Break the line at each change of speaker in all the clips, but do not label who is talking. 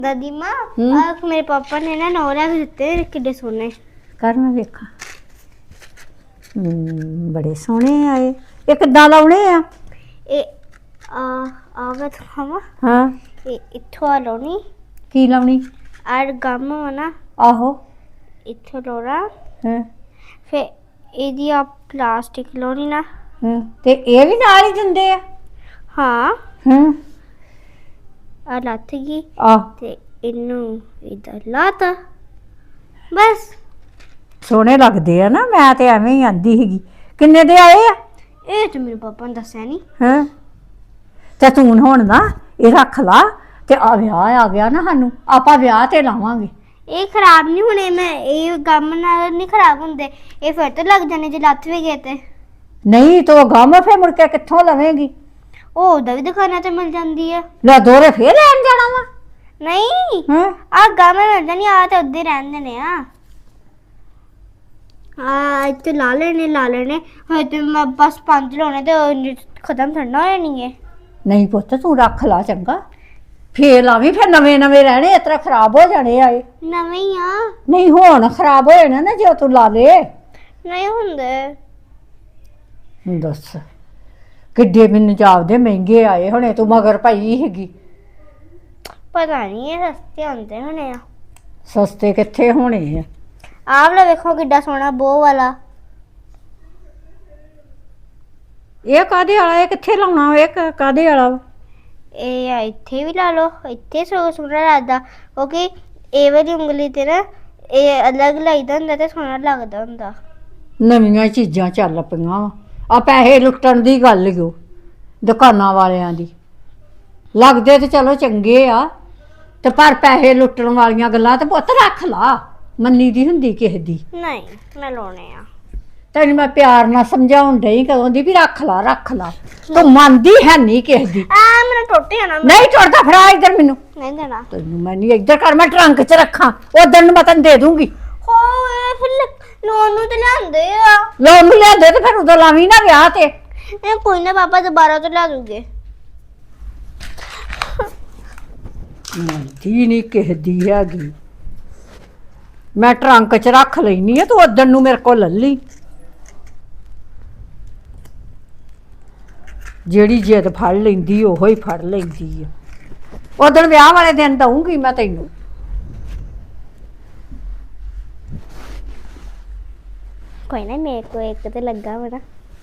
दादी माँ आज मेरे पापा ने ना नौरा ਦਿੱਤੇ ਕਿੱਡੇ ਸੋਹਣੇ
ਕਰ ਮੈਂ ਵੇਖਾਂ ਬੜੇ ਸੋਹਣੇ ਆਏ ਇਹ ਕਿੱਦਾਂ ਲਾਉਣੇ ਆ
ਇਹ ਆ ਮੈਂ ਤੁਹਾਨੂੰ
ਹਾਂ
ਇਹ ਇੱਥੋਂ ਲਾਉਣੀ
ਕੀ ਲਾਉਣੀ
ਆਰ ਗਮ ਨਾ
ਆਹੋ
ਇੱਥੋਂ ਲਾਉਣਾ
ਹਾਂ
ਫਿਰ ਇਹਦੀ ਆ ਪਲਾਸਟਿਕ ਲਾਉਣੀ ਨਾ
ਹਾਂ ਤੇ ਇਹ ਵੀ ਨਾਲ ਹੀ ਦਿੰਦੇ ਆ
ਹਾਂ
ਹਾਂ
ਆ ਲੱਥ ਗਈ
ਆ
ਤੇ ਇਹਨੂੰ ਇਧਰ ਲਾਤਾ ਬਸ
ਸੋਹਣੇ ਲੱਗਦੇ ਆ ਨਾ ਮੈਂ ਤੇ ਐਵੇਂ ਹੀ ਆਂਦੀ ਸੀਗੀ ਕਿੰਨੇ ਦੇ ਆਏ ਆ
ਇਹ ਤੇ ਮੇਰੇ ਪਾਪਾ ਨੇ ਦੱਸਿਆ ਨਹੀਂ
ਹਾਂ ਤੇ ਤੂੰ ਹੁਣ ਨਾ ਇਹ ਰੱਖ ਲਾ ਤੇ ਆ ਵਿਆਹ ਆ ਗਿਆ ਨਾ ਸਾਨੂੰ ਆਪਾਂ ਵਿਆਹ ਤੇ ਲਾਵਾਂਗੇ
ਇਹ ਖਰਾਬ ਨਹੀਂ ਹੋਣੇ ਮੈਂ ਇਹ ਗਮ ਨਾਲ ਨਹੀਂ ਖਰਾਬ ਹੁੰਦੇ ਇਹ ਫਿਰ ਤੋਂ ਲੱਗ ਜਾਣੇ ਜੇ ਲੱਥ ਵੀ ਗਏ ਤੇ
ਨਹੀਂ ਤੋ ਗਮ ਫੇ ਮੁੜ ਕੇ ਕਿੱਥੋਂ ਲਵੇਂਗੀ
ਉਹ ਉਹਦਾ ਵੀ ਦੁਕਾਨਾਂ ਤੇ ਮਿਲ ਜਾਂਦੀ ਹੈ
ਲੈ ਦੋਰੇ ਫੇਰ ਲੈਣ ਜਾਣਾ ਵਾ
ਨਹੀਂ
ਹਾਂ
ਆ ਗਮ ਮਿਲ ਜਾਣੀ ਆ ਤੇ ਉੱਦੇ ਰਹਿੰਦੇ ਨੇ ਆ ਇੱਥੇ ਲਾ ਲੈਣੇ ਹੋਏ ਤੇ ਮੈਂ ਬਸ 5 ਲਾਉਣੇ ਤੇ ਉਹ ਖਤਮ ਥੜਨਾ ਹੋਇਆ ਨਹੀਂ ਹੈ
ਨਹੀਂ ਪੁੱਤ ਤੂੰ ਰੱਖ ਲਾ ਚੰਗਾ ਫੇਰ ਲਾਵੀਂ ਫਿਰ ਨਵੇਂ ਨਵੇਂ ਰਹਿਣੇ ਇਸ ਤਰ੍ਹਾਂ ਖਰਾਬ ਹੋ ਜਾਣੇ ਆਏ
ਨਵੇਂ ਹੀ ਆ
ਨਹੀਂ ਹੁਣ ਖਰਾਬ ਹੋ ਜਾਣਾ ਨਾ ਜੇ ਤੂੰ ਲਾ ਲੇ
ਨਹੀਂ ਹੁੰਦੇ
ਦੱਸ ਕਿੱਡੇ ਮੈਨੂੰ ਜਾਪਦੇ ਮਹਿੰਗੇ ਆਏ ਹੁਣੇ ਤੂੰ ਮਗਰ ਪਈ ਹੈਗੀ
ਪਤਾ ਨਹੀਂ ਇਹ ਸਸਤੇ ਹੁੰਦੇ ਹੋਣੇ ਆ
ਸਸਤੇ ਕਿੱਥੇ ਹੋਣੇ ਆ
ਆਹ ਵਾਲਾ ਵੇਖੋ ਕਿੱਡਾ ਸੋਹਣਾ ਬੋ ਵਾਲਾ
ਇਹ ਕਾਦੇ ਵਾਲਾ ਇਹ ਕਿੱਥੇ ਲਾਉਣਾ ਇਹ ਕਾਦੇ ਵਾਲਾ ਵਾ
ਇਹ ਇੱਥੇ ਵੀ ਲਾ ਲਓ ਇੱਥੇ ਸੋਹਣਾ ਲੱਗਦਾ ਕਿਉਂਕਿ ਇਹ ਵਾਲੀ ਉਂਗਲੀ ਤੇ ਨਾ ਇਹ ਅਲੱਗ ਲਾਈਦਾ ਹੁੰਦਾ ਤੇ ਸੋਹਣਾ ਲੱਗਦਾ ਹੁੰਦਾ
ਨਵੀਆਂ ਚੀਜ਼ਾਂ ਚੱਲ ਪਈਆਂ ਵਾ ਆ ਪੈਸੇ ਲੁੱਟਣ ਦੀ ਗੱਲ ਓ ਦੁਕਾਨਾਂ ਵਾਲਿਆਂ ਦੀ ਲੱਗਦੇ ਤੇ ਚਲੋ ਚੰਗੇ ਆ ਤੇ ਪਰ ਪੈਸੇ ਲੁੱਟਣ ਵਾਲੀਆਂ ਗੱਲਾਂ ਤੇ ਪੁੱਤ ਰੱਖ ਲਾ ਮੰਨੀ ਦੀ ਹੁੰਦੀ ਕਿਸੇ ਦੀ
ਨਹੀਂ ਮੈਂ ਲਾਉਣੇ ਆ
ਤੈਨੂੰ ਮੈਂ ਪਿਆਰ ਨਾਲ ਸਮਝਾਉਣ ਡਈ ਕਦੋਂ ਦੀ ਵੀ ਰੱਖ ਲਾ ਤੂੰ ਮੰਨਦੀ ਹੈ ਨਹੀਂ ਕਿਸੇ ਦੀ
ਆ ਮੇਰਾ ਟੁੱਟ ਜਾਣਾ
ਨਹੀਂ ਟੁੱਟਦਾ ਫੜਾ ਇੱਧਰ ਮੈਨੂੰ
ਨਹੀਂ ਦੇਣਾ
ਤੈਨੂੰ ਮੈਂ ਨਹੀਂ ਇੱਧਰ ਕਰ ਮੈਂ ਟਰੰਕ 'ਚ ਰੱਖਾਂ ਉਦੋਂ ਨੂੰ ਮੈਂ ਤੈਨੂੰ ਦੇ ਦੂੰਗੀ
ਹੋਏ ਫਿਰ ਲੋਨ ਨੂੰ ਤੇ ਲਿਆਂਦੇ ਆ
ਲੋਨ ਨੂੰ ਲਿਆਂਦੇ ਤੇ ਫਿਰ ਉਦੋਂ ਲਾਵੀਂ ਨਾ ਵਿਆਹ ਤੇ
ਇਹ ਕੋਈ ਨਾ ਪਾਪਾ ਦੁਬਾਰਾ ਤੋਂ ਲਿਆ ਦੂਗੇ
ਮੰਨਦੀ ਨਹੀਂ ਕਿਸੇ ਦੀ ਹੈਗੀ ਮੈਂ ਟਰੰਕ 'ਚ ਰੱਖ ਲੈਣੀ ਆ ਤੂੰ ਉਦੋਂ ਨੂੰ ਮੇਰੇ ਕੋਲ ਲੱਲੀ ਜਿਹੜੀ ਜਿੱਦ ਫੜ ਲੈਂਦੀ ਉਹੋ ਹੀ ਫੜ ਲੈਂਦੀ ਆ ਉਦੋਂ ਵਿਆਹ ਵਾਲੇ ਦਿਨ ਦਊਂਗੀ ਮੈਂ ਤੈਨੂੰ
ਕੋਈ ਨਾ ਮੇਰੇ ਕੋ ਇੱਕ ਤੇ ਲੱਗਾ ਮੇਰਾ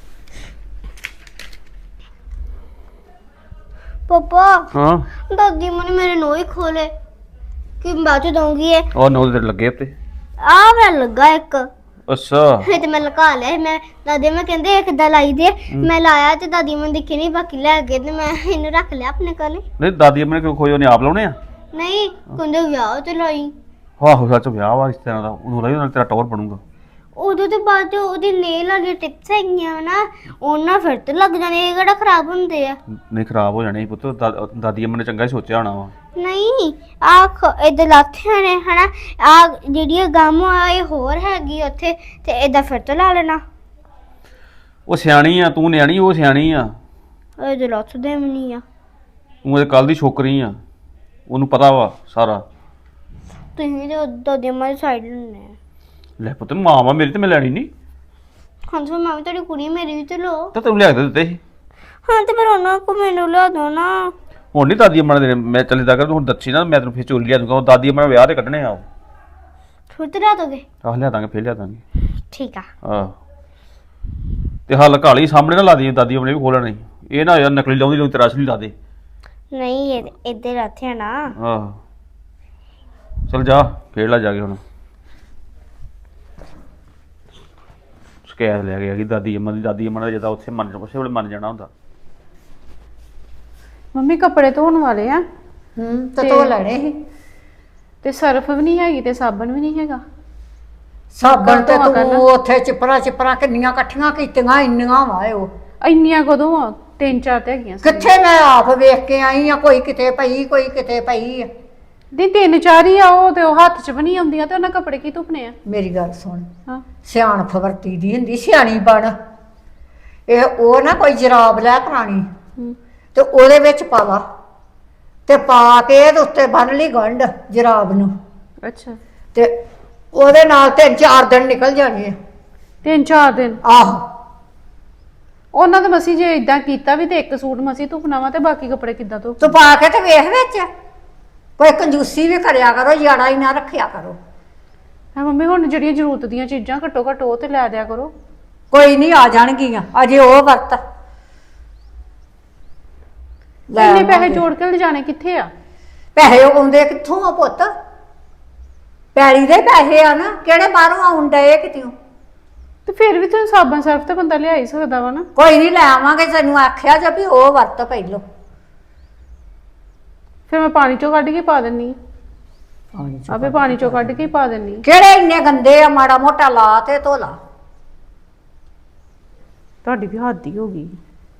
ਪਾਪਾ
ਹਾਂ
ਦਾਦੀ ਮਨੇ ਮੇਰੇ ਨੋਹ ਹੀ ਖੋਲੇ ਕਿ ਬਾਅਦ ਚ ਦਊਂਗੀ ਇਹ
ਉਹ ਨੋ ਦੇ ਲੱਗੇ ਉੱਤੇ
ਆ ਮੇਰਾ ਲੱਗਾ ਇੱਕ
ਅੱਛਾ
ਇਹ ਤੇ ਮੈਂ ਲਗਾ ਲਿਆ ਸੀ। ਮੈਂ ਦਾਦੀ ਮੈਂ ਕਹਿੰਦੇ ਇਹ ਕਿੱਦਾਂ ਲਾਈ ਦੇ ਮੈਂ ਲਾਇਆ ਤੇ ਦਾਦੀ ਮੈਨੂੰ ਦਿਖੀ ਨਹੀਂ ਬਾਕੀ ਲੈ ਗਏ ਤੇ ਮੈਂ ਇਹਨੂੰ ਰੱਖ ਲਿਆ ਆਪਣੇ ਕੋਲ
ਨਹੀਂ ਦਾਦੀ ਆਪਣੇ ਕਿਉਂ ਖੋਏ ਉਹਨੇ ਆਪ ਲਾਉਣੇ ਆ
ਨਹੀਂ ਕਹਿੰਦੇ ਵਿਆਹ ਤੇ ਲਾਈ
ਆਹੋ ਸੱਚ ਵਿਆਹ ਵਾ ਇਸ ਤਰ੍ਹਾਂ ਦਾ ਉਹਨੂੰ ਲਈ ਨਾਲ ਤੇਰਾ ਟੌਰ ਬਣੂਗਾ
ਉਦੋਂ ਤੋਂ ਬਾਅਦ ਜੋ ਉਹਦੀ ਨੇਲ ਵਾਲੀ ਟਿਪਸ ਹੈਗੀਆਂ ਨਾ ਉਹਨਾਂ ਫਿਰ ਤੇ ਲੱਗ ਜਾਣੇ ਇਹ ਕਿਹੜਾ ਖਰਾਬ ਹੁੰਦੇ ਆ
ਨਹੀਂ ਖਰਾਬ ਹੋ ਜਾਣੇ ਸੀ ਪੁੱਤ ਦਾਦੀ ਅੰਮਾ ਨੇ ਚੰਗਾ ਹੀ ਸੋਚਿਆ ਹੋਣਾ ਵਾ
ਨਹੀਂ ਆ ਇਹਦੇ ਲਾਥਿਆਂ ਨੇ ਹਨਾ ਆ ਜਿਹੜੀ ਗਮ ਆ ਇਹ ਹੋਰ ਹੈਗੀ ਉੱਥੇ ਤੇ ਇਹਦਾ ਫਿਰ ਤੋਂ ਲਾ ਲੈਣਾ
ਉਹ ਸਿਆਣੀ ਆ ਤੂੰ ਨਿਆਣੀ ਉਹ ਸਿਆਣੀ ਆ
ਇਹਦੇ ਲੱਥ ਦੇ ਵੀ ਨਹੀਂ ਆ
ਤੂੰ ਇਹ ਕੱਲ ਦੀ ਛੋਕਰੀ ਆ ਉਹਨੂੰ ਪਤਾ ਵਾ ਸਾਰਾ
ਤੁਸੀਂ ਤੇ ਦਾਦੀ ਮਾਂ ਦੀ ਸਾਈਡ ਲੈਣੇ ਆ
ਲੈ ਪੁੱਤ ਮਾਂ ਵਾ ਮੇਰੀ ਤੇ ਮੈਂ ਲੈਣੀ ਨਹੀਂ
ਹਾਂ ਤੇ ਮੈਂ ਵੀ ਤੁਹਾਡੀ ਕੁੜੀ ਮੇਰੀ ਵੀ ਤੇ ਲੋ
ਤਾਂ ਤੈਨੂੰ ਲਿਆ ਕੇ ਦਿੱਤੇ ਸੀ
ਹਾਂ ਤੇ ਫਿਰ ਉਹਨਾਂ ਕੋ ਮੈਨੂੰ ਲਿਆ ਦੋ ਨਾ
ਹੁਣ ਨਹੀਂ ਦਾਦੀ ਅੰਮਾ ਨੇ ਮੈਂ ਚੱਲਦਾ ਕਰ ਤੂੰ ਹੁਣ ਦੱਸੀ ਨਾ ਮੈਂ ਤੈਨੂੰ ਫਿਰ ਚੋਰੀ ਲਿਆ ਦੂੰਗਾ ਉਹ ਦਾਦੀ ਅੰਮਾ ਨੇ ਵਿਆਹ ਤੇ ਕੱਢਣੇ ਆ
ਫਿਰ ਤੇ ਲਿਆ ਦੋਗੇ
ਆਹ ਲਿਆ ਦਾਂਗੇ ਫਿਰ ਲਿਆ ਦਾਂਗੇ
ਠੀਕ ਆ
ਆਹ ਤੇ ਹੱਲ ਕਾਲੀ ਸਾਹਮਣੇ ਨਾ ਲਾ ਦੀ ਦਾਦੀ ਆਪਣੇ ਵੀ ਖੋਲਣਾ ਇਹ ਨਾ ਯਾਰ ਨਕਲੀ ਲਾਉਂਦੀ ਲੋਕ ਤੇਰਾ ਅਸਲੀ ਲਾ ਦੇ
ਨਹੀਂ ਇਹ ਇੱਧਰ ਲਾਥਿਆ ਨਾ
ਆਹ ਚਲ ਜਾ ਖੇਡ ਲੈ ਜਾ ਕੇ ਹੁਣ ਸ਼ਿਕਾਇਤ ਲੈ ਗਿਆ ਕਿ ਦਾਦੀ ਅੰਮਾ ਨੇ ਜਦੋਂ ਉੱਥੇ ਉਸੇ ਵੇਲੇ ਮੰਨ ਜਾਣਾ ਹੁੰਦਾ
ਮੰਮੀ ਕੱਪੜੇ ਧੋਣ ਵਾਲੇ ਆ
ਤੇ ਧੋ ਲੈਣੇ ਸੀ
ਤੇ ਸਰਫ ਵੀ ਨਹੀਂ ਹੈਗੀ ਤੇ ਸਾਬਣ ਵੀ ਨਹੀਂ ਹੈਗਾ
ਸਾਬਣ ਤੇ
ਧੋਆ ਕਰਨਾ।
ਤੂੰ ਉੱਥੇ ਚਿਪਰਾ ਕਿੰਨੀਆਂ ਇਕੱਠੀਆਂ ਕੀਤੀਆਂ ਇੰਨੀਆਂ ਵਾ ਉਹ
ਇੰਨੀਆਂ ਕਦੋਂ ਆ 3-4 ਤੇ ਹੈਗੀਆਂ ਸੀ।
ਕਿੱਥੇ ਮੈਂ ਆਪ ਵੇਖ ਕੇ ਆਈ ਆ ਕੋਈ ਕਿਤੇ ਪਈ ਆ
ਦੀ 3-4 ਹੀ ਆ ਉਹ ਤੇ ਉਹ ਹੱਥ 'ਚ ਵੀ ਨਹੀਂ ਆਉਂਦੀਆਂ ਤੇ ਉਹਨਾਂ ਕੱਪੜੇ ਕੀ ਧੁਪਨੇ ਆ
ਮੇਰੀ ਗੱਲ ਸੁਣ
ਹਾਂ
ਸਿਆਣਪ ਵਰਤੀ ਦੀ ਹੁੰਦੀ ਸਿਆਣੀ ਬਣ ਇਹ ਉਹ ਨਾ ਕੋਈ ਜਰਾਬ ਲੈ ਪੁਰਾਣੀ
ਹੂੰ।
ਤੇ ਉਹਦੇ ਵਿੱਚ ਪਾ ਲਾ ਤੇ ਪਾ ਕੇ ਤੇ ਉੱਤੇ ਬੰਨ ਲਈ ਗੰਢ ਜਰਾਬ ਨੂੰ
ਅੱਛਾ
ਤੇ ਉਹਦੇ ਨਾਲ 3-4 ਦਿਨ ਨਿਕਲ ਜਾਣੇ ਆ।
3-4 ਦਿਨ
ਆਹੋ
ਉਹਨਾਂ ਦੇ ਮਸੀ ਜੇ ਇਦਾਂ ਕੀਤਾ ਵੀ ਤੇ ਇੱਕ ਸੂਟ ਮਸੀ ਧੁਪਣਾ ਵਾ ਤੇ ਬਾਕੀ ਕੱਪੜੇ ਕਿੱਦਾਂ ਧੋ
ਤੂੰ ਪਾ ਕੇ ਤੇ ਵੇਖ ਵਿੱਚ ਕੋਈ ਕੰਜੂਸੀ ਵੀ ਕਰਿਆ ਕਰੋ, ਯਾੜਾ ਹੀ ਨਾ ਰੱਖਿਆ ਕਰੋ।
ਹਾਂ ਮੰਮੀ ਹੁਣ ਜਿਹੜੀਆਂ ਜ਼ਰੂਰਤ ਦੀਆਂ ਚੀਜ਼ਾਂ ਘੱਟੋ ਘੱਟ ਉਹ ਤੇ ਲੈ ਦਿਆ ਕਰੋ।
ਕੋਈ ਨਹੀਂ ਆ ਜਾਣਗੀਆਂ, ਅਜੇ ਉਹ ਵਰਤ ਲੈ
ਇੰਨੇ ਪੈਸੇ
ਆਵਾਂਗੇ।
ਜੋੜ ਕੇ ਲਿਜਾਣੇ ਕਿੱਥੇ ਆ?
ਪੈਸੇ ਆਉਂਦੇ ਕਿੱਥੋਂ ਆ ਪੁੱਤ? ਪੈਲੀ ਦੇ ਪੈਸੇ ਆ ਨਾ, ਕਿਹੜੇ ਬਾਹਰੋਂ ਆਉਣ ਡਏ ਕਿਤਿਓਂ?
ਤੇ ਫਿਰ ਵੀ ਤੁਹਾਨੂੰ ਸਾਬਣ ਸਰਫ ਤੇ ਬੰਦਾ ਲਿਆ ਹੀ ਸਕਦਾ ਵਾ ਨਾ।
ਕੋਈ ਨਹੀਂ ਲੈ ਆਵਾਂਗੇ, ਤੈਨੂੰ ਆਖਿਆ ਜੇ ਵੀ ਉਹ ਵਰਤ ਪਹਿਲੋਂ।
ਫਿਰ ਮੈਂ ਪਾਣੀ ਚੋਂ ਕੱਢ ਕੇ ਪਾ ਦਿੰਨੀ ਆ। ਆਪੇ ਪਾਣੀ ਚੋਂ ਕੱਢ ਕੇ ਹੀ ਪਾ ਦਿੰਨੀ ਆ।
ਕਿਹੜੇ ਇੰਨੇ ਗੰਦੇ ਆ, ਮਾੜਾ ਮੋਟਾ ਲਾ ਤੇ ਧੋ ਲਾ।
ਤੁਹਾਡੀ ਵੀ ਹੱਦ ਹੀ ਹੋ ਗਈ।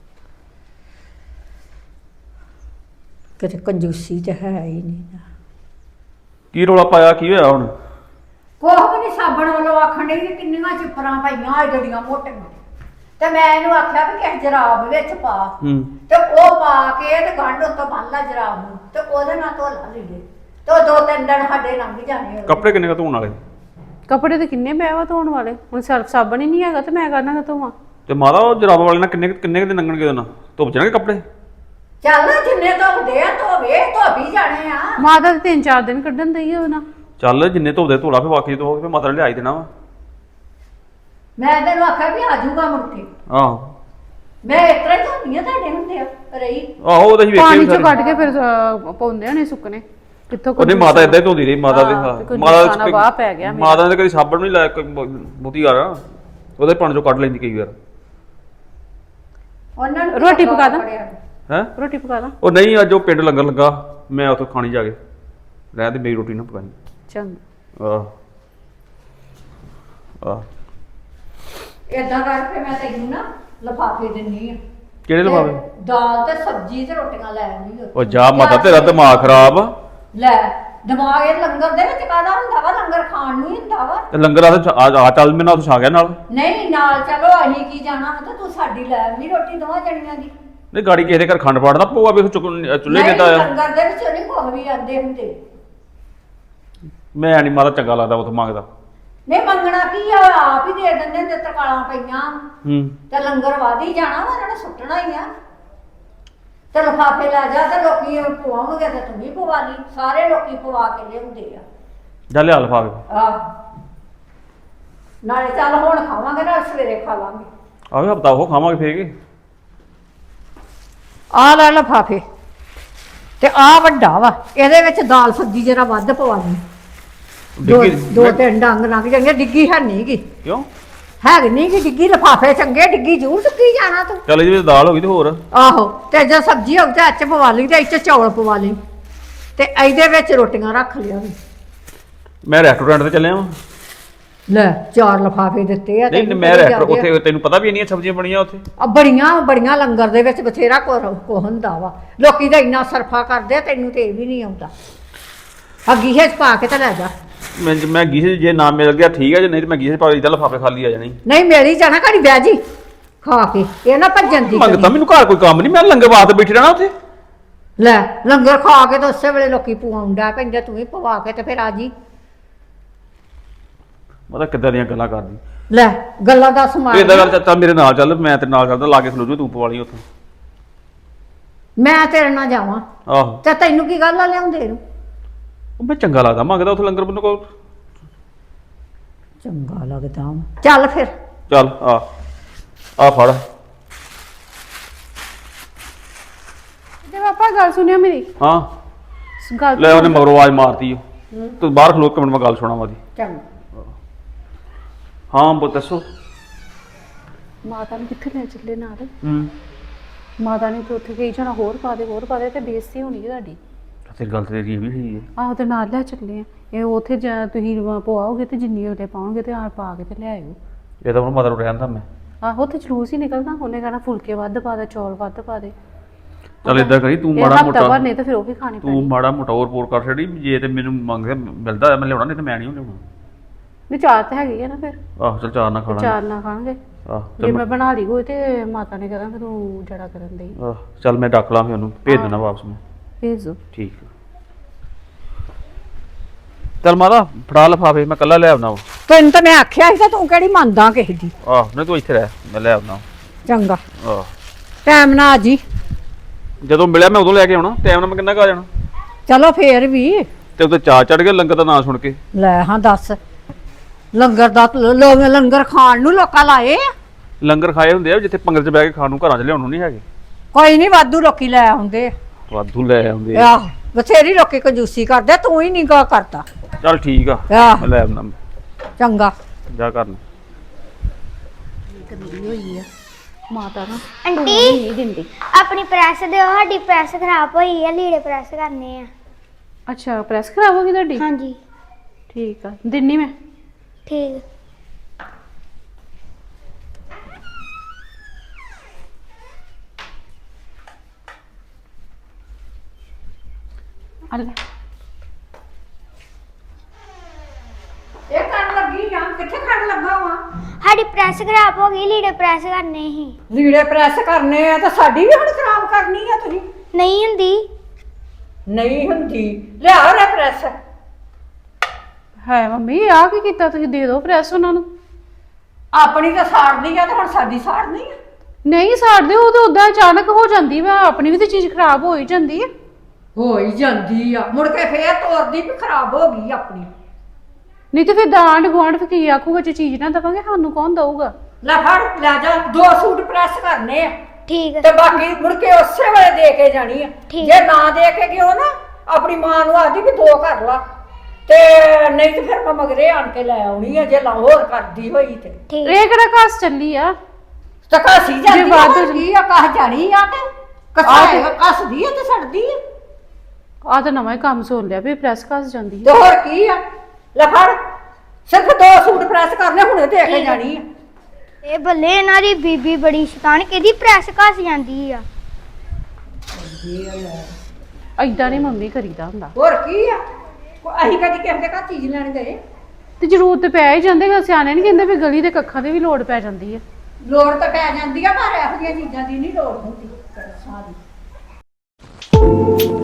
ਕਿਤੇ ਕੰਜੂਸੀ ਤੇ ਹੈ ਹੀ ਨਹੀਂ।
ਕੀ ਰੋਲਾ ਪਾਇਆ, ਕੀ ਹੋਇਆ ਹੁਣ?
ਕੋਹ ਵੀ ਨਹੀਂ, ਸਾਬਣ ਵੱਲੋਂ ਆਖਣ ਡਈ ਵੀ ਕਿੰਨੀਆਂ ਚਿਪਰਾਂ ਪਈਆਂ ਜਿਹੜੀਆਂ ਮੋਟੀਆਂ, ਤੇ ਮੈਂ ਇਹਨੂੰ ਆਖਿਆ ਵੀ ਕਿਸ ਜਰਾਬ ਵਿੱਚ ਪਾ, ਤੇ ਉਹ ਪਾ ਕੇ ਤੇ ਗੰਢ ਉੱਤੋਂ ਬੰਨ ਲਾ ਜਰਾਬ ਨੂੰ ਤੇ ਉਹਦੇ ਨਾਲ ਧੋ ਲਾ ਲੀੜੇ, ਤੇ ਉਹ 2-3 ਦਿਨ ਸਾਡੇ ਲੰਘ ਜਾਣੇ।
ਕੱਪੜੇ ਕਿੰਨੇ ਕ ਧੋਣ ਵਾਲੇ?
ਕੱਪੜੇ ਤੇ ਕਿੰਨੇ ਪਏ ਵਾ ਧੋਣ ਵਾਲੇ, ਹੁਣ ਸਰਫ ਸਾਬਣ ਹੀ ਨਹੀਂ ਹੈਗਾ ਤੇ ਮੈਂ ਕਰਨਾ ਧੋਵਾਂ।
ਤੇ ਮਾਤਾ ਉਹ ਜਰਾਬਾਂ ਵਾਲੇ ਨਾਲ ਕਿੰਨੇ ਕੁ ਦਿਨ ਲੰਘਣਗੇ ਉਹਦੇ ਨਾਲ? ਧੁੱਪ ਜਾਣਗੇ ਕੱਪੜੇ?
ਚੱਲ ਜਿੰਨੇ ਧੋਦੇ ਆ ਧੋਵੇ, ਧੋਬੀ ਜਾਣੇ ਆ।
ਮਾਤਾ ਤੇ 3-4 ਦਿਨ ਕੱਢਣ ਦਈ ਆ ਉਹਨਾਂ।
ਚੱਲ ਜਿੰਨੇ ਧੋਦੇ ਧੋਲਾ, ਫਿਰ ਬਾਕੀ ਧੋ ਫਿਰ ਮਾਤਾ ਨੇ ਲਿਆਈ ਦੇਣਾ ਵਾ।
ਮੈਂ ਤੈਨੂੰ ਆਖਿਆ ਵੀ ਆ ਜਾਊਗਾ ਮੁੜ ਕੇ।
ਆਹੋ
ਮੈਂ ਇਸ ਤਰ੍ਹਾਂ ਹੀ ਧੋਨੀ ਆ, ਤੁਹਾਡੇ ਹੁੰਦੇ ਆ ਰਹੀ।
ਆਹੋ ਉਹਦਾ ਹੀ
ਪਾਣੀ
ਵੇਖਿਆ
ਚੋਂ ਕੱਢ ਕੇ ਫਿਰ ਪਾਉਂਦੇ ਹੋਣੇ ਸੁੱਕਣੇ। ਕਿੱਥੋਂ
ਉਹਨੇ ਮਾਤਾ ਇਦਾਂ ਹੀ ਧੋਂਦੀ ਰਹੀ, ਮਾਤਾ ਦੇ
ਮਾਤਾ ਦਾ ਵਾਹ ਪੈ ਗਿਆ।
ਮਾਤਾ ਨੇ ਕਦੀ ਸਾਬਣ ਨਹੀਂ ਲਾਇਆ ਬਹੁਤੀ ਵਾਰ, ਉਹਦੇ ਪਾਣੀ ਚੋਂ ਕੱਢ ਲੈਂਦੀ ਕਈ ਵਾਰ।
ਉਹਨਾਂ ਨੂੰ
ਰੋਟੀ ਪਕਾ ਦਾਂ?
ਹੈ
ਰੋਟੀ ਪਕਾ ਦਾਂ?
ਉਹ ਨਹੀਂ, ਅੱਜ ਉਹ ਪਿੰਡ ਲੰਗਰ ਲੱਗਾ, ਮੈਂ ਉੱਥੋਂ ਖਾਣੀ ਜਾ ਕੇ ਰਹਿ ਤੇ ਮੇਰੀ ਰੋਟੀ ਨਾ ਪਕਾਈ।
ਚੰਗਾ
ਆਹ
ਏਦਾਂ ਕਰਕੇ ਮੈਂ ਤੈਨੂੰ ਨਾ ਲਿਫਾਫੇ ਦਿੰਨੀ ਆ।
ਕਿਹੜੇ ਲਿਫਾਫੇ?
ਦਾਲ ਤੇ ਸਬਜ਼ੀ ਤੇ ਰੋਟੀਆਂ ਲੈ ਆਉਂਦੀ।
ਉਹ ਜਾ ਮਾਤਾ, ਤੇਰਾ ਦਿਮਾਗ ਖਰਾਬ ਆ।
ਲੈ ਦਿਮਾਗ ਇਹ ਲੰਗਰ ਦੇ ਵਿੱਚ ਕਾਹਦਾ ਹੁੰਦਾ ਵਾ? ਲੰਗਰ ਖਾਣ ਨੂੰ ਹੀ ਹੁੰਦਾ ਵਾ।
ਤੇ ਲੰਗਰ ਆ ਚੱਲ ਮੇਰੇ ਨਾਲ ਉੱਥੇ ਛਾ ਗਿਆ ਨਾਲ।
ਨਹੀਂ ਨਾਲ ਚਲੋ, ਅਸੀਂ ਕੀ ਜਾਣਾ ਵਾ, ਤੇ ਤੂੰ ਸਾਡੀ ਲੈ ਆਉਂਦੀ ਰੋਟੀ ਦੋਵਾਂ ਜਣੀਆਂ ਦੀ।
ਨਹੀਂ ਗਾੜੀ ਕਿਸੇ ਦੇ ਘਰ ਖੰਡ ਪਾੜਦਾ ਪਊਆ ਵੀ ਚੁੱਲ੍ਹੇ
ਨਹੀਂ,
ਦੇਤਾ ਆ।
ਲੰਗਰ ਦੇ ਵਿੱਚ ਨਹੀਂ ਕੁਝ ਵੀ ਆਂਦੇ ਹੁੰਦੇ।
ਮੈਂ ਨਹੀਂ ਮਾਤਾ ਚੰਗਾ ਲੱਗਦਾ ਉੱਥੇ ਮੰਗਦਾ।
ਨਹੀਂ ਮੰਗਣਾ ਕੀ ਆ, ਆਪ ਹੀ ਦੇ ਦਿੰਦੇ ਤੇ ਤਰਕਾਲਾਂ ਪਈਆਂ ਤੇ ਲੰਗਰ ਵਾਦੀ ਜਾਣਾ ਵਾ, ਉਹਨਾਂ ਨੇ ਸੁੱਟਣਾ ਹੀ ਆ। ਤੇ ਲਿਫਾਫੇ ਲੈ ਜਾ ਤੇ ਲੋਕੀ ਪਵਾਉਣਗੇ ਤੇ ਤੂੰ ਵੀ ਪਵਾ ਲਈ, ਸਾਰੇ ਲੋਕੀ ਪਵਾ ਕੇ ਲਿਆਉਂਦੇ ਆ।
ਜਾ ਲਿਆ ਲਿਫਾਫੇ।
ਆਹ ਨਾਲੇ ਚੱਲ ਹੁਣ ਖਾਵਾਂਗੇ, ਨਾਲ ਸਵੇਰੇ ਖਾ ਲਾਂਗੇ।
ਆਵੇ ਹਫਤਾ ਉਹ ਖਾਵਾਂਗੇ ਫੇਰ ਕੇ।
ਆ ਲੈ ਲਿਫਾਫੇ ਤੇ ਆ ਵੱਡਾ ਵਾ, ਇਹਦੇ ਵਿੱਚ ਦਾਲ ਸਬਜ਼ੀ ਜਰਾ ਵੱਧ ਪਵਾ ਲਈ। ਦੋ ਤਿੰਨ ਡੰਗ ਲੰਘ ਜਾਣਗੇ। ਡਿੱਗੀ ਹੈ ਨਹੀਂ ਗੀ,
ਕਿਉਂ
ਹੈਗੀ ਨਹੀਂ ਗੀ ਡਿੱਗੀ। ਲਿਫਾਫੇ ਚੰਗੇ, ਡਿੱਗੀ ਜ਼ਰੂਰ ਚੁੱਕੀ ਜਾਣਾ ਤੂੰ।
ਚੱਲ ਇਹਦੇ ਵਿੱਚ ਦਾਲ ਹੋ ਗਈ ਤੇ ਹੋਰ
ਆਹੋ, ਤੇ ਜੇ ਸਬਜ਼ੀ ਹੋਊ ਤੇ ਇੱਚ ਪਵਾ ਲਈ, ਤੇ ਇੱਚ ਚੌਲ ਪਵਾ ਲਈ, ਤੇ ਇਹਦੇ ਵਿੱਚ ਰੋਟੀਆਂ ਰੱਖ ਲਿਆ।
ਮੈਂ ਰੈਸਟੋਰੈਂਟ ਤੇ ਚੱਲਿਆ ਵਾਂ।
ਲੈ 4 ਲਿਫਾਫੇ ਦਿੱਤੇ ਆ।
ਨਹੀਂ ਮੈਂ ਰੈਸਟੋਰੈਂਟ ਉੱਥੇ, ਤੈਨੂੰ ਪਤਾ ਵੀ ਇੰਨੀਆਂ ਸਬਜ਼ੀਆਂ ਬਣੀਆਂ ਉੱਥੇ।
ਬੜੀਆਂ ਲੰਗਰ ਦੇ ਵਿੱਚ ਬਥੇਰਾ ਕੋ ਹੁੰਦਾ ਵਾ। ਲੋਕੀ ਤਾਂ ਇੰਨਾ ਸਰਫਾ ਕਰਦੇ ਆ, ਤੈਨੂੰ ਤੇ ਇਹ ਵੀ ਨਹੀਂ ਆਉਂਦਾ। ਅੱਗੀ ਹੈ ਪਾ ਕੇ ਤੇ ਲੈ ਜਾ।
ਮੈਂ ਗੀਸੇ ਜੇ ਨਾ ਮਿਲ ਗਿਆ ਠੀਕ ਹੈ, ਜੇ ਨਹੀਂ ਤੇ ਮੈਂ ਗੀਸੇ ਪਾ ਲਈ ਤਾਂ ਲਿਫਾਫੇ ਖਾਲੀ ਆ ਜਾਣੀ।
ਨਹੀਂ ਮੇਰੀ ਜਾਣਾ ਘੜੀ ਬਹਿ ਜੀ ਖਾ ਕੇ, ਇਹ ਨਾ ਭੱਜਣ ਦੀ
ਮੰਗਤਾ ਮੈਨੂੰ ਘਰ ਕੋਈ ਕੰਮ ਨਹੀਂ, ਮੈਂ ਲੰਗਰ ਵਾਸਤੇ ਬੈਠੀ ਰਹਿਣਾ ਉੱਥੇ।
ਲੈ ਲੰਗਰ ਖਾ ਕੇ ਤਾਂ ਉਸੇ ਵੇਲੇ ਲੋਕੀ ਪਵਾਉਂਦਾ ਪੈਂਦੇ, ਤੂੰ ਵੀ ਪਵਾ ਕੇ ਤੇ ਫਿਰ ਆ ਜੀ।
ਮਤਲਬ ਕਿੱਦਾਂ ਦੀਆਂ ਗੱਲਾਂ ਕਰਦੀ।
ਲੈ ਗੱਲਾਂ ਦਾ ਸਮਾਨ
ਇਦਾਂ ਗੱਲ ਚੱਲ ਮੇਰੇ ਨਾਲ ਚੱਲ, ਮੈਂ ਤੇਰੇ ਨਾਲ ਚੱਲਦਾ, ਲਾ ਕੇ ਖਲੋ ਜੂ ਤੂੰ ਪਵਾ ਲਈ ਉੱਥੋਂ।
ਮੈਂ ਤੇਰੇ ਨਾਲ ਜਾਵਾਂ
ਆਹੋ
ਤੇ ਤੈਨੂੰ ਕੀ ਗੱਲ ਆ ਲਿਆਉਂਦੇ ਨੂੰ?
ਉਹ ਮੈਂ ਚੰਗਾ ਲੱਗਦਾ ਮੰਗਦਾ ਉੱਥੇ ਲੰਗਰ ਮੈਨੂੰ ਕੋਲ।
ਚੰਗਾ ਲੱਗਦਾ ਵਾ। ਚੱਲ ਫਿਰ
ਚੱਲ ਆ ਫੜ।
ਤੇ ਪਾਪਾ ਗੱਲ ਸੁਣਿਓ ਮੇਰੀ।
ਹਾਂ
ਗੱਲ
ਲੈ, ਉਹਨੇ ਮਗਰੋਂ ਆਵਾਜ਼ ਮਾਰਤੀ ਉਹ। ਤੂੰ ਬਾਹਰ ਖਲੋ ਕੇ ਮੈਨੂੰ ਗੱਲ ਸੁਣਾਵਾਂ ਦੀ।
ਚੰਗਾ।
ਹਾਂ ਬੋ ਦੱਸੋ।
ਮਾਤਾ ਨੂੰ ਕਿੱਥੇ ਲੈ ਚੱਲੇ ਨਾਲ? ਮਾਤਾ ਨੇ ਤਾਂ ਉੱਥੇ ਕਹੀ ਜਾਣਾ ਹੋਰ ਪਾ ਦੇ ਤੇ ਬੇਇੱਜ਼ਤੀ ਹੋਣੀ ਹੈ ਤੁਹਾਡੀ।
ਤੇਰੀ ਗੱਲ ਤੇਰੀ ਇਹ ਵੀ ਸਹੀ ਹੈ।
ਆਹੋ ਤੇ ਨਾਲ ਲੈ ਚੱਲੇ ਆ। ਇਹ ਉੱਥੇ ਤੁਸੀਂ ਪਵਾਓਗੇ ਤੇ ਜਿੰਨੀ ਉਹਦੇ ਪਾਉਣਗੇ ਤੇ ਆ ਪਾ ਕੇ ਤੇ ਲੈ ਆਇਓ।
ਇਹ ਤਾਂ ਹੁਣ ਮਦਰ ਨੂੰ ਰਹਿੰਦਾ ਮੈਂ।
ਆਹੋ ਤੇ ਜਲੂਸ ਹੀ ਨਿਕਲਦਾ। ਉਹਨੇ ਕਹਿਣਾ ਫੁਲਕੇ ਵੱਧ ਪਾ ਦੇ, ਚੌਲ ਵੱਧ ਪਾ ਦੇ।
ਚੱਲ ਏਦਾਂ ਕਰੀ, ਤੂੰ
ਇਹ
ਮਾੜਾ
ਹਫ਼ਤਾ
ਮੋਟਾ
ਭਰ ਨਹੀਂ ਤੇ ਫਿਰ ਉਹ ਵੀ ਖਾਣੀ
ਤੂੰ
ਪੈਣੀ।
ਮਾੜਾ ਮੋਟਾ ਹੋਰ ਪੋਰ ਕਰ ਛੜੀ, ਜੇ ਤੇ ਮੈਨੂੰ ਮੰਗਦਾ ਮਿਲਦਾ ਮੈਂ ਲਿਆਉਣਾ, ਨਹੀਂ ਤੇ ਮੈਂ ਨਹੀਂ ਲਿਆਉਣਾ।
ਨਹੀਂ ਚਾਰ ਤਾਂ ਹੈਗੀ ਆ ਨਾ ਫਿਰ।
ਆਹੋ ਚੱਲ ਚਾਰ ਨਾ ਖਾਣਾ।
ਚਾਰ ਨਾ ਖਾਣਗੇ।
ਆਹ
ਜੇ ਮੈਂ ਬਣਾ ਲਈ ਹੋਈ ਤੇ ਮਾਤਾ ਨੇ ਕਹਿਣਾ ਫਿਰ ਤੂੰ ਜੜਾ ਕਰਨ ਦੇ।
ਚੱਲ ਮੈਂ ਡੱਕ ਲਾਂ ਫਿਰ ਉਹਨੂੰ, ਭੇਜ ਦੇਣਾ ਵਾਪਸ ਮੈਂ।
ਭੇਜ ਦਿਓ।
ਠੀਕ ਆ। ਚੱਲ ਮਾਤਾ ਫੜਾ ਲਫਾਫੇ, ਮੈਂ ਕੱਲਾ ਲੈ ਆਉਣਾ ਵਾ।
ਤੈਨੂੰ ਤਾਂ ਮੈਂ ਆਖਿਆ ਸੀ ਤਾਂ ਤੂੰ ਕਿਹੜੀ ਮੰਨਦਾ ਕਿਸੇ ਦੀ।
ਆਹ ਨਹੀਂ ਤੂੰ ਇੱਥੇ ਰਹਿ, ਮੈਂ ਲੈ ਆਉਣਾ।
ਚੰਗਾ
ਆਹ
ਟਾਈਮ ਨਾਲ ਆ ਜੀ।
ਜਦੋਂ ਮਿਲਿਆ ਮੈਂ ਉਦੋਂ ਲੈ ਕੇ ਆਉਣਾ, ਟਾਈਮ ਨਾਲ ਮੈਂ ਕਿੰਨਾ ਕੁ ਆ ਜਾਣਾ।
ਚਲੋ ਫੇਰ ਵੀ
ਤੇ ਉੱਤੇ ਚਾਹ ਚੜ ਗਿਆ ਲੰਗਰ ਦਾ ਨਾਂ ਸੁਣ ਕੇ।
ਲੈ ਹਾਂ ਦੱਸ, ਲੰਗਰ ਦਾ ਲੋਕ ਲੰਗਰ ਖਾਣ ਨੂੰ ਲੋਕਾਂ ਲਾਏ ਆ।
ਲੰਗਰ ਖਾਏ ਹੁੰਦੇ ਆ ਜਿੱਥੇ ਪੰਗਲ 'ਚ ਬਹਿ ਕੇ ਖਾਣ ਨੂੰ, ਘਰਾਂ 'ਚ ਲਿਆਉਣ ਨੂੰ ਨਹੀਂ ਹੈਗੇ।
ਕੋਈ ਨਹੀਂ, ਵਾਧੂ ਲੋਕੀ ਲੈ ਆਉਂਦੇ ਆ।
ਵਾਧੂ ਲੈ ਆਉਂਦੇ ਆ।
ਆਹ ਬਥੇਰੀ ਲੋਕੀ ਕੰਜੂਸੀ ਕਰਦੇ, ਤੂੰ ਹੀ ਨਹੀਂ ਗਾ ਕਰਦਾ।
ਚੱਲ ਠੀਕ ਆ,
ਆਹ
ਮੈਂ ਲੈ ਆਉਣਾ।
ਚੰਗਾ।
ਜਾ ਕਰਨ
ਗੰਦੀ ਹੋਈ ਆ ਮਾਤਾ ਨਾ,
ਆਂਟੀ
ਨਹੀਂ ਦਿੰਦੀ।
ਆਪਣੀ ਪ੍ਰੈਸ ਦਿਓ, ਸਾਡੀ ਪ੍ਰੈਸ ਖਰਾਬ ਹੋਈ ਆ, ਲੀੜੇ ਪ੍ਰੈਸ ਕਰਨੇ ਆ।
ਅੱਛਾ ਪ੍ਰੈਸ ਖਰਾਬ ਹੋ ਗਈ ਤੁਹਾਡੀ?
ਹਾਂਜੀ
ਠੀਕ ਆ, ਦਿੰਨੀ ਮੈਂ।
ਠੀਕ।
ਅੱਲਾ
ਇਹ ਕਰਨ ਲੱਗੀ ਆ, ਕਿੱਥੇ ਕਰਨ ਲੱਗਾ ਵਾ?
ਸਾਡੀ ਪ੍ਰੈਸ ਖਰਾਬ ਹੋ ਗਈ, ਲੀੜੇ ਪ੍ਰੈਸ ਕਰਨੇ ਸੀ।
ਲੀੜੇ ਪ੍ਰੈਸ ਕਰਨੇ ਆ ਤਾਂ ਸਾਡੀ ਵੀ ਹੁਣ ਖਰਾਬ ਕਰਨੀ ਆ ਤੁਸੀਂ?
ਨਹੀਂ ਹੁੰਦੀ।
ਨਹੀਂ ਹੁੰਦੀ, ਲਿਆਓ ਰੇ ਪ੍ਰੈਸ।
ਹੈ ਮੰਮੀ, ਆ ਕੀ ਕੀਤਾ ਤੁਸੀਂ? ਦੇ ਦਿਓ ਪ੍ਰੈਸ ਉਹਨਾਂ ਨੂੰ।
ਆਪਣੀ ਤਾਂ ਸਾੜਨੀ ਆ ਤੇ ਹੁਣ ਸਾਡੀ ਸਾੜਨੀ ਆ।
ਨਹੀਂ ਸਾੜਦੇ, ਉਹ ਤਾਂ ਉਦਾਂ ਅਚਾਨਕ ਹੋ ਜਾਂਦੀ ਵਾ, ਆਪਣੀ ਵੀ ਤਾਂ ਚੀਜ਼ ਖਰਾਬ ਹੋ ਹੀ ਜਾਂਦੀ ਹੈ।
ਹੋ ਹੀ ਜਾਂਦੀ ਆ, ਮੁੜ ਕੇ ਫੇਰ ਤੋਰਦੀ ਵੀ ਖਰਾਬ ਹੋ ਗਈ ਆਪਣੀ।
ਨਹੀਂ ਤੇ ਫਿਰ ਦਾਂਡ ਗੁਆਂਢ ਫਿਰ ਕੀ ਆਖੂਗਾ, ਜੇ ਚੀਜ਼ ਨਾ ਦਵਾਂਗੇ ਸਾਨੂੰ ਕੌਣ ਦਊਗਾ?
ਲੈ ਫੜ, ਲੈ ਜਾ, 2 ਸੂਟ ਪ੍ਰੈਸ ਕਰਨੇ ਆ
ਠੀਕ
ਤੇ ਬਾਕੀ ਮੁੜ ਕੇ ਉਸੇ ਵੇਲੇ ਦੇ ਕੇ ਜਾਣੀ ਆ।
ਠੀਕ।
ਜੇ ਨਾ ਦੇ ਕੇ ਗਿਓ ਨਾ, ਆਪਣੀ ਮਾਂ ਨੂੰ ਆਖਦੀ ਵੀ 2 ਕਰ ਲਾ, ਤੇ ਨਹੀਂ ਤੇ ਫਿਰ ਮੈਂ ਮਗਰੇ ਆਣ ਕੇ ਲੈ ਆਉਣੀ ਆ ਜੇ ਲਾਹੌਰ ਕਰਦੀ ਹੋਈ ਤੇ।
ਠੀਕ।
ਇਹ ਕਿਹੜਾ ਘਸ ਚੱਲੀ ਆ?
ਤਾਂ ਘਸੀ ਜਾਂਦੀ
ਜੇ ਵੱਧ
ਆ, ਕੀ ਆ, ਕਸ ਜਾਣੀ ਆ ਤੇ ਕਸਾਏਗਾ, ਕੱਸਦੀ ਆ ਤੇ ਸੜਦੀ ਆ।
ਆ ਤਾਂ ਨਵਾਂ ਹੀ ਕੰਮ ਸੁਣ ਲਿਆ ਵੀ ਪ੍ਰੈਸ ਘਸ ਜਾਂਦੀ
ਤੇ
ਹੈ।
ਹੋਰ ਕੀ ਆ, ਲੈ ਫੜ, ਸਿਰਫ 2 ਸੂਟ ਪ੍ਰੈਸ ਕਰਨੇ, ਹੁਣੇ ਦੇ ਕੇ ਜਾਣੀ ਆ।
ਇਹ ਬੱਲੇ ਇਹਨਾਂ ਦੀ ਬੀਬੀ ਬੜੀ ਸ਼ੈਤਾਨ, ਕਿਹਦੀ ਪ੍ਰੈਸ ਘਸ ਜਾਂਦੀ ਆ।
ਏਦਾਂ ਨਹੀਂ ਮੰਮੀ ਕਰੀਦਾ ਹੁੰਦਾ।
ਹੋਰ ਕੀ ਆ, ਅਸੀਂ ਕਦੀ ਕਿਸੇ ਦੇ ਘਰ ਚੀਜ਼ ਲੈਣ ਗਏ?
ਤੇ ਜ਼ਰੂਰਤ ਤੇ ਪੈ ਹੀ ਜਾਂਦੇ, ਸਿਆਣੇ ਨਹੀਂ ਕਹਿੰਦੇ ਵੀ ਗਲੀ ਦੇ ਕੱਖਾਂ ਦੇ ਵੀ ਲੋੜ ਪੈ ਜਾਂਦੀ ਹੈ।
ਲੋੜ ਤਾਂ ਪੈ ਜਾਂਦੀ ਆ, ਪਰ ਇਹੋ ਜਿਹੀਆਂ ਚੀਜ਼ਾਂ ਦੀ ਨਹੀਂ ਲੋੜ ਹੁੰਦੀ।